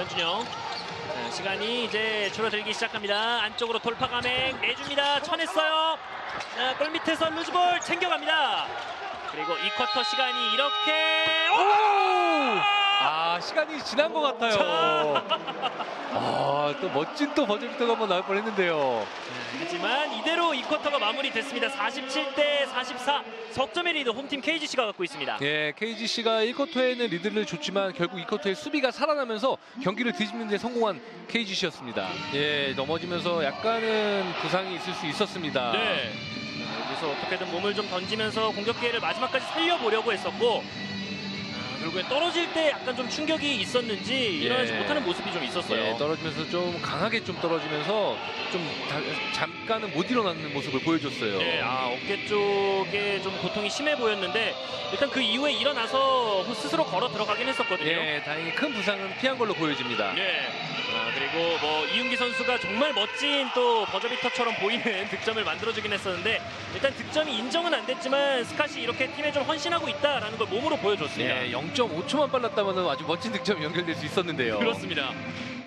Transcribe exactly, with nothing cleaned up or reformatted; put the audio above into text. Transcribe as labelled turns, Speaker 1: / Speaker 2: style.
Speaker 1: 변준영. 자, 시간이 이제 줄어들기 시작합니다. 안쪽으로 돌파 감행 내줍니다. 쳐냈어요. 자, 골 밑에서 루즈볼 챙겨갑니다. 그리고 이 쿼터 시간이 이렇게 오!
Speaker 2: 아, 시간이 지난 것 같아요. 아, 또 멋진 또 버저비터가 한번 나올 뻔했는데요.
Speaker 1: 하지만 이대로 이 쿼터가 마무리됐습니다. 사십칠 대 사십사. 석점의 리드 홈팀 케이지씨가 갖고 있습니다.
Speaker 2: 예, 케이지씨가 일 쿼터에는 리드를 줬지만 결국 이 쿼터에 수비가 살아나면서 경기를 뒤집는 데 성공한 케이지씨였습니다. 예, 넘어지면서 약간은 부상이 있을 수 있었습니다.
Speaker 1: 네. 자, 여기서 어떻게든 몸을 좀 던지면서 공격 기회를 마지막까지 살려보려고 했었고 결국엔 떨어질 때 약간 좀 충격이 있었는지 일어나지
Speaker 2: 예.
Speaker 1: 못하는 모습이 좀 있었어요.
Speaker 2: 예, 떨어지면서 좀 강하게 좀 떨어지면서 좀 다, 잠깐은 못 일어나는 모습을 보여줬어요.
Speaker 1: 네, 아, 어깨 쪽에 좀 고통이 심해 보였는데 일단 그 이후에 일어나서 스스로 걸어 들어가긴 했었거든요.
Speaker 2: 예, 다행히 큰 부상은 피한 걸로 보여집니다.
Speaker 1: 네. 아, 그리고 뭐 이윤기 선수가 정말 멋진 또 버저비터처럼 보이는 득점을 만들어주긴 했었는데 일단 득점이 인정은 안 됐지만 스캇이 이렇게 팀에 좀 헌신하고 있다라는 걸 몸으로 보여줬습니다.
Speaker 2: 예, 영 점 오 초만 빨랐다면 아주 멋진 득점이 연결될 수 있었는데요.
Speaker 1: 그렇습니다.